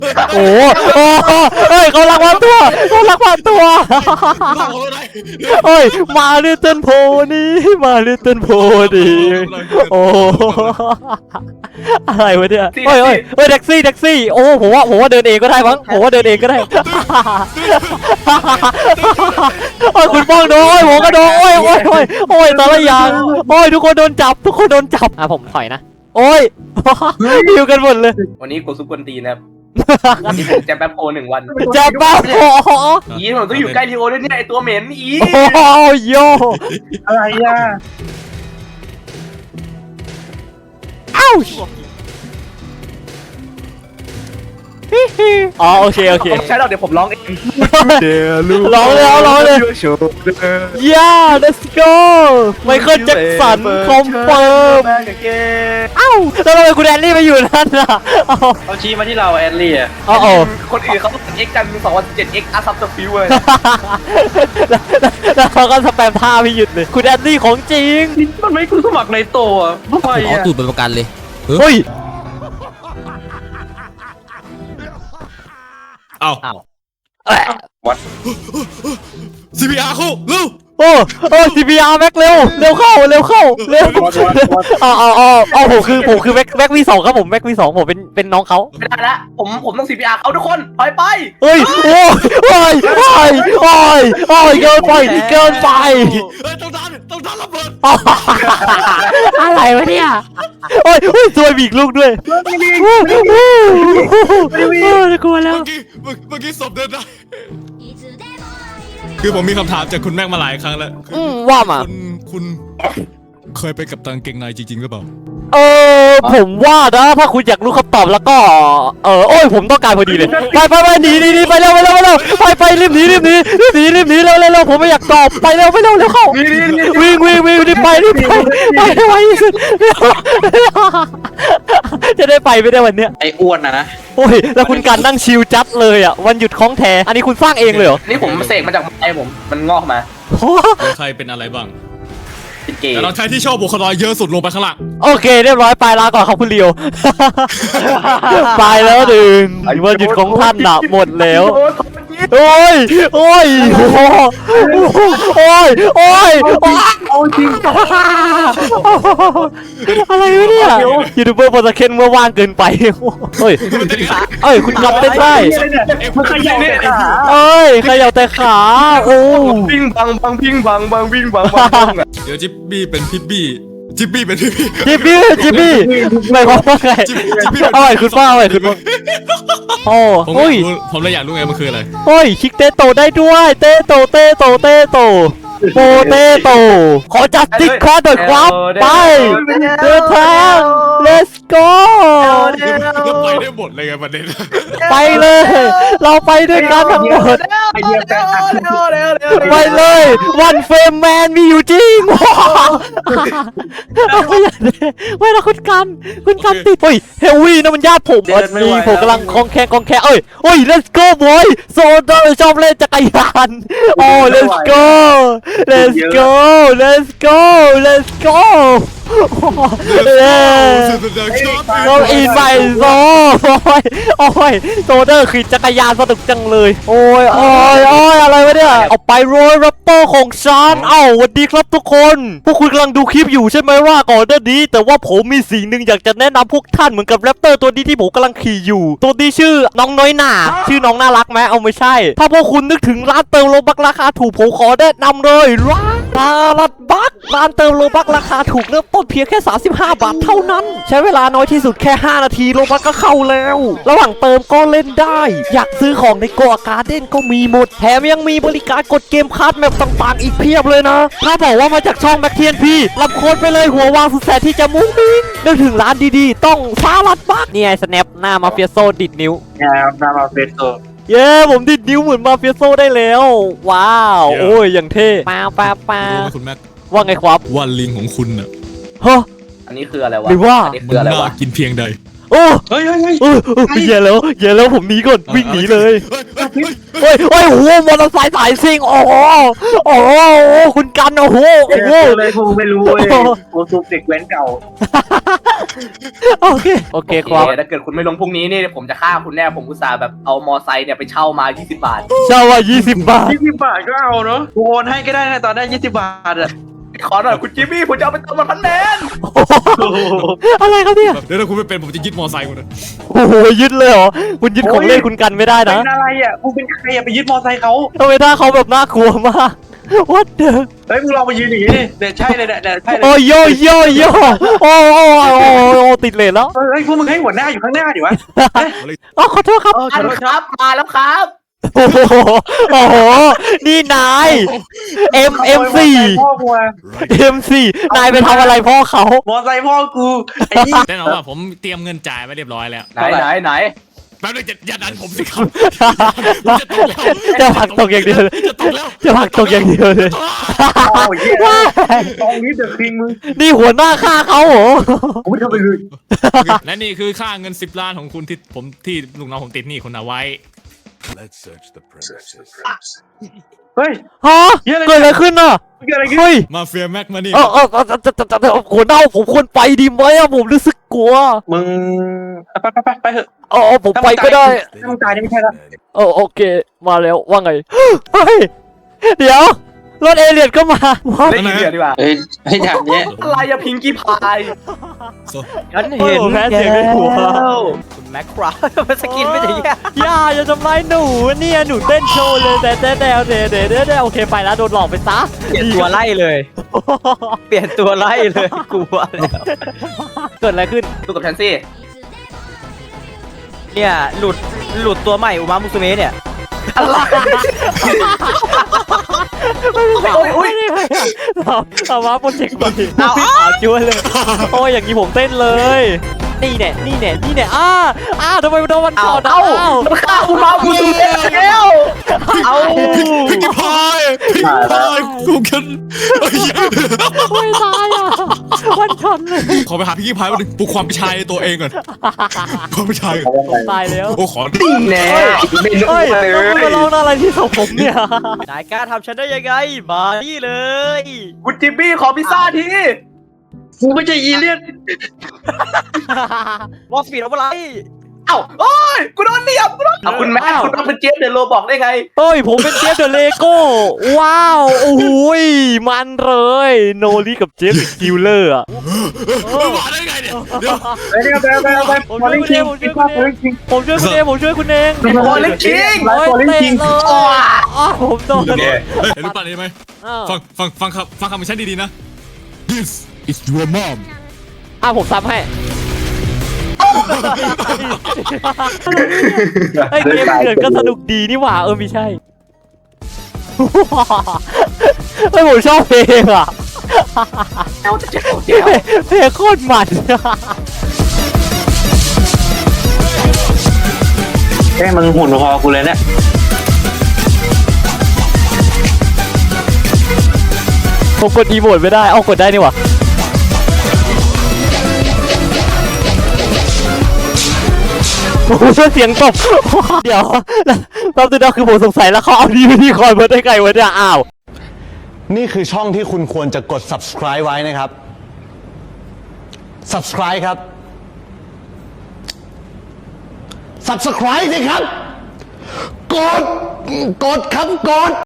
โอ้โอ้เฮ้ยเขาลักพาตัวเขาลักพาตัวเฮ้ยมาลิตเติ้ลโพนี่มาลิตเติ้ลโพดีโอ้อะไรวะเนี่ยเฮ้ยเฮ้ยเฮ้ยแท็กซี่โอ้ผมว่าเดินเองก็ได้มั้งผมว่าเดินเองก็ได้โอ้ยคุณป้องโดนผมก็โดนโอ้ยแต่ละอย่างโอ้ยทุกคนโดนจับอ่ะผมถอยนะโอ้ยอยู่กันหมดเลยวันนี้กูซุปกวนตีนะครับวันนี้ผมจะแป๊บโพ1 วันจะบ้าพออีผมต้องอยู่ใกล้ทีโอด้วยเนี่ยไอตัวเหม็นอีโอ้โยอะไรอ่ะอ้าวอ๋อโอเคใช่หรอกเดี๋ยวผมร้องเองเดี๋ยวลูกร้องเลยโชว์เด้อย่า let's go ไมเคิลแจ็คสันคอมเฟิร์มอ้าวแล้วทำไมคุณแอนนี่ไปอยู่นั่นล่ะเขาชี้มาที่เราแอนลี่อ่ะอ๋อคนอื่นเขาเอ็กกัน2017 X อาซับสฟิวเลยแล้วเขาก็สแปมท่าไม่หยุดเลยคุณแอนนี่ของจริงมันไม่คุณสมัครในโตอ่ะไม่ขออ่ะตูดเป็นประกันเลยเฮ้ยเอา CPR คู่เร็วโอ้ CPR แม็กเร็วเข้าเอาผมคือแม็กวีสองครับผมแม็กวีสองผมเป็นน้องเขาไม่ได้ละผมต้อง CPR เอาทุกคนถอยไปเฮ้ยโอ้ยเกินไปเฮ้ยต้องดันระเบิดอะไรวะเนี่ยโอ้ยซวยบีกลูกด้วยกลัวแล้วเมื่อกี้ศพเดินได้คือผมมีคำถามจากคุณแม็กมาหลายครั้งแล้วว่ามาคุณเคยไปกับตังเกงในจริงๆหรือเปล่าผมว่านะถ้าคุณอยากรู้คำตอบแล้วก็โอ้ยผมต้องการพอดีเลยไปหนีไปเร็วไปรีบหนีเร็วผมไม่อยากตอบไปเร็วเข้าวิ่งรีบไปให้ไวที่สุดจะได้ไปไม่ได้วันเนี้ยไอ้อ้วนนะโอ้ยแล้วคุณการนั่งชิลจัดเลยอ่ะวันหยุดของแท้อันนี้คุณสร้างเองเลยเหรอนี่ผมเสกมาจากไอผมมันงอกมาใครเป็นอะไรบ้างเป็นเกย์แต่เราใช้ที่ชอบบุคลากรเยอะสุดลงไปข้างล่างโอเคเรียบร้อยไปลาก่อนครับคุณเลียวไปแล้วดึงวันหยุดของท่านน่ะหมดแล้วโอ้ยเอาจริงอะไรวะเนี่ยยูทูบเบอร์โปรตะเคนเมื่อว่างเกินไปเฮ้ยคุณกลับเต้นได้มันขยับเนี่ยขยับแต่ขาโอ้วิ่งบังวิ่งบังเดี๋ยวจิบบี้เป็นพิบบี้จิบบี้เป็นพิบบี้จิบบี้หมายความว่าไงคุณป้าโอ้ผมเลยอยากรู้ไงมันคืออะไรโอ้ยคิกเตโตได้ด้วยเตโตโปเตโตขอจัดติ๊กคอร์ดหน่อยครับไปเดินทาง let's go แล้วไปได้หมดเลยไงประเด็นไปเลยเราไปด้วยกันทั้งหมดไอเดียแปลกไปเลยวันเฟรมแมนมีอยู่จริงไม่นะคุณกันติดเฮ้ยเฮลวี่นะมันญาติผมวันนี้ผมกำลังคองแคเอ้ย let's go boy โซดาชอบเล่นจักรยานโอ้ let's goเราอินไปโซเดอร์ขี่จักรยานสนุกจังเลยโอ้ยอะไรวะเนี่ยเอาไปโรยแรปเปอร์ของฉันสวัสดีครับทุกคนพวกคุณกำลังดูคลิปอยู่ใช่ไหมว่าก่อนหน้านี้แต่ว่าผมมีสิ่งหนึ่งอยากจะแนะนำพวกท่านเหมือนกับแรปเตอร์ตัวนี้ที่ผมกำลังขี่อยู่ตัวนี้ชื่อน้องน้อยหน่าชื่อน้องน่ารักไหมเอาไม่ใช่ถ้าพวกคุณนึกถึงร้านเติมโลบักราคาถูกผมขอแนะนำเลยร้านเติมโลบักราคาถูกเริ่มต้นเพียงแค่35 บาทเท่านั้นใช้เวลาน้อยที่สุดแค่5 นาทีโลบักก็เข้าแล้วระหว่างเติมก็เล่นได้อยากซื้อของในโกอาการ์เด้นก็มีหมดแถมยังมีบริการกดเกมคัสแมปต่างๆอีกเพียบเลยนะถ้าบอกว่ามาจากช่องแม็กเทียนพี่รับโค้ดไปเลยหัววางสุดแสนที่จะมุ้งมิ้งนึกถึงร้านดีๆต้องสลัดบักนี่ไงสแนปหน้ามาเฟียโซดิดนิ้วๆงามนามาเฟสโตเย้ผมดิดนิ้วเหมือนมาเฟียโซได้แล้วว้าวโอ้ยอย่างเท่ป้ารู้ไหมคุณแม็กว่าไงครับว่าลิงของคุณน่ะฮะอันนี้คืออะไรวะหรือว่าอันนี้มัคือน อะไรน่าวะกินเพียงใดโอ้เฮ้ยเฮ้ยเฮ้ยอย่าแล้วผมหนีก่อนวิ่งหนีเลยโอ้ยโอ้โหมอเตอร์ไซค์สายซิ่งโอ้โหคุณกันโอ้โหเลยกูไม่รู้เลยกูซุปเด็กแว้นเก่าโอเคครับถ้าเกิดคุณไม่ลงพรุ่งนี้นี่ผมจะฆ่าคุณแน่ผมอุตส่าห์แบบเอามอไซค์เนี่ยไปเช่ามา20 บาทเช่าว่า20 บาท 20 บาทก็เอาเนาะกูโอนให้ก็ได้นะตอนได้20 บาทอะขอหน่อยคุณจิมมี่ผมจะเอาไปเติม1,000 แมนอะไรครับเนี่ยเดี๋ยวถ้าคุณไม่เป็นผมจะยึดมอไซค์คุณนะโอ้โหยึดเลยเหรอคุณยึดของเล่นคุณกันไม่ได้เป็นะนอะไรอ่ะกูเป็นใครอ่ะไปยึดมอไซค์เขาทำไมหน้าเขาแบบน่ากลัวมาก What the เฮ้ยมึงลองมายืนอย่างนี้ดิเนี่ยใช่เลยเนี่ยใช่เลยโอ้โยโอ้ติดเลนแล้วเฮ้ยพวกมึงให้หัวหน้าอยู่ข้างหน้าดิวะอ๋อขอโทษครับอันครับมาแล้วครับโอ้โหนี่นาย M4 พ่อกูอะ M4 นายไปทำอะไรพ่อเขามอไซค์พ่อกูไอ้นี่แน่นอนว่าผมเตรียมเงินจ่ายไว้เรียบร้อยแล้วไหนแป๊บนึงอย่าดันผมสิครับจะผลักตกอย่างเดียวเลยจะตกแล้วจะผลักตกอย่างเดียวเลยโอ้ยเหี้ยตรงนี้เดอะคิงมึงนี่หัวหน้าฆ่าเขาเหรอกูไม่ทำไปเลยและนี่คือค่าเงิน10 ล้านของคุณที่ลูกน้องผมติดหนี้คุณเอาไว้ Let's search the premises. เฮ้ยฮะเกิดอะไรขึ้นน่ะเกิดอะไรขึ้นเฮ้ยมาเฟียแม็กมานี่หัวหน้าผมควรไปดีไหมอะผมรู้สึกกลัวมึงไปเถอะผมไปก็ได้ถ้ามึงตายนี่ไม่ใช่ละโอเคมาแล้วว่าไงเฮ้ยเดี๋ยวรถเอเลียนก็มาเล่นอีกเดือนดีกว่าเฮ้ยให้ถามเนี้ยอะไรอะพิงกี้พายฉันเห็นแพ้เสียงในหัวคุณแม็กคราฟสกินไม่ถึงแย่อย่าทำร้ายหนูเนี่ยหนูเต้นโชว์เลยแต่โอเคไปแล้วโดนหลอกไปซะเปลี่ยนตัวไล่เลย เปลี่ยนตัวไล่เลยกลัวแล้วเกิดอะไรขึ้นดูกับแทนซี่เนี่ยหลุดตัวใหม่อุมามุสุเมะเนี่ยอุ้ยเอามาโปรเจกต์ใหม่พี่ขาวจ้วนเลยโอ้ยอย่างนี้ผมเต้นเลยนี่แน่ทำไมโดนมันก่อนมันฆ่าคุณมาคุณสุเมะแล้วเอาพิกพายกูกันไม่ตายอ่ะวันชนเลยขอไปหาพิกพายมาดึงปลุกความเป็นชายในตัวเองก่อนความเป็นชายก่อนตายแล้วโอ้ขอแน่ไม่รู้เฮ้ยเลยมาลองอะไรที่ศพผมเนี่ยนายกล้าทำฉันได้ยังไงมานี่เลยคุณจิมมี่ขอพิซซ่าทีกูไม่ใช่อีเลียนวอลสปีดเอาอะไรเอ้าโอ้ยกูโดนเนียบคุณแม็กคุณต้องเป็นเจฟเดนโลบอกได้ไงเฮ้ยผมเป็นเจฟเดอะเลโก้ว้าวโอ้โหมันเลยโนลี่กับเจฟคิลเลอร์อ่ะมาได้ไงเนี่ยเดี๋ยวไปมาเล่นคิงคิงมาเล่นคิงผมช่วยคุณเองผมช่วยคุณเองโอ้ยเล่นคิงไลฟ์บอลเล่นคิงผมโดนเห็นรูปปั้นนี้ไหมฟังคำของฉันดีๆนะ This is your mom ผมซ้ำให้ไอ้เกมเถื่อนก็สนุกดีนี่หว่าไม่ใช่ไอ้ผมชอบเพลงอ่ะเอาจะเจ็บเพลงโคตรมันแค่มึงหุ่นพอกูเลยเนี่ยผมกดอีโมดไม่ได้กดได้นี่หว่าโอ้โหเสียงตบเดี๋ยวตอนนี้คือผมสงสัยแล้วเขาเอาดีวิธีคอยมาได้ไงวะเนี่ยอ้าวนี่คือช่องที่คุณควรจะกด subscribe ไว้นะครับ subscribe ครับ subscribe สิครับ กดครับกด